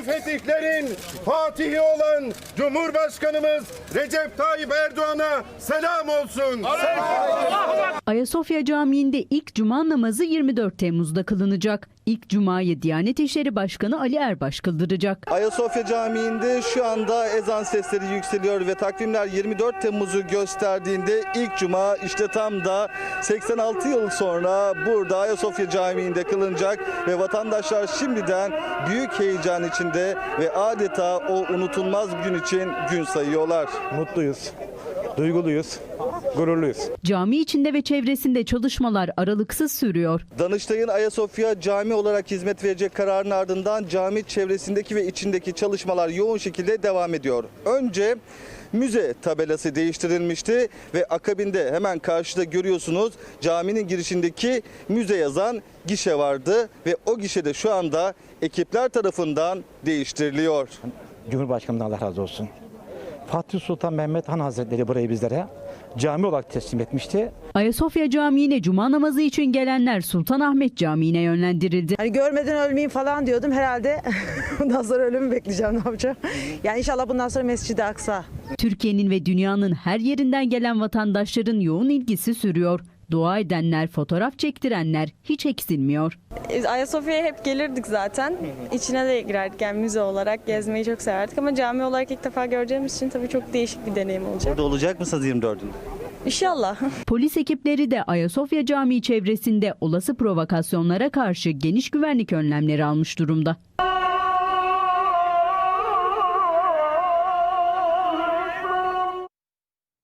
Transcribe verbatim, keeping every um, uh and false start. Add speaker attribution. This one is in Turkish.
Speaker 1: tarihi fetihlerin fatihi olan Cumhurbaşkanımız Recep Tayyip Erdoğan'a selam olsun.
Speaker 2: Ayasofya Camii'nde ilk cuma namazı yirmi dört Temmuz'da kılınacak. İlk cumayı Diyanet İşleri Başkanı Ali Erbaş kıldıracak.
Speaker 3: Ayasofya Camii'nde şu anda ezan sesleri yükseliyor ve takvimler yirmi dört Temmuz'u gösterdiğinde ilk cuma işte tam da seksen altı yıl sonra burada Ayasofya Camii'nde kılınacak ve vatandaşlar şimdiden büyük heyecan içinde ve adeta o unutulmaz gün için gün sayıyorlar.
Speaker 4: Mutluyuz, duyguluyuz, gururluyuz.
Speaker 2: Cami içinde ve çevresinde çalışmalar aralıksız sürüyor.
Speaker 3: Danıştay'ın Ayasofya Cami olarak hizmet verecek kararının ardından cami çevresindeki ve içindeki çalışmalar yoğun şekilde devam ediyor. Önce müze tabelası değiştirilmişti ve akabinde hemen karşıda görüyorsunuz caminin girişindeki müze yazan gişe vardı ve o gişede şu anda ekipler tarafından değiştiriliyor.
Speaker 4: Cumhurbaşkanımdan Allah razı olsun. Fatih Sultan Mehmet Han Hazretleri burayı bizlere cami olarak teslim etmişti.
Speaker 2: Ayasofya Camii'ne cuma namazı için gelenler Sultanahmet Camii'ne yönlendirildi.
Speaker 5: Hani görmeden ölmeyeyim falan diyordum. Herhalde bundan sonra ölümü bekleyeceğim, ne yapacağım. Yani inşallah bundan sonra Mescid-i Aksa.
Speaker 2: Türkiye'nin ve dünyanın her yerinden gelen vatandaşların yoğun ilgisi sürüyor. Dua edenler, fotoğraf çektirenler hiç eksilmiyor.
Speaker 6: Ayasofya'ya hep gelirdik zaten. İçine de girerdik, yani müze olarak gezmeyi çok severdik ama cami olarak ilk defa göreceğimiz için tabii çok değişik bir deneyim olacak.
Speaker 3: Burada olacak mısınız yirmi dördünde?
Speaker 6: İnşallah.
Speaker 2: Polis ekipleri de Ayasofya Camii çevresinde olası provokasyonlara karşı geniş güvenlik önlemleri almış durumda.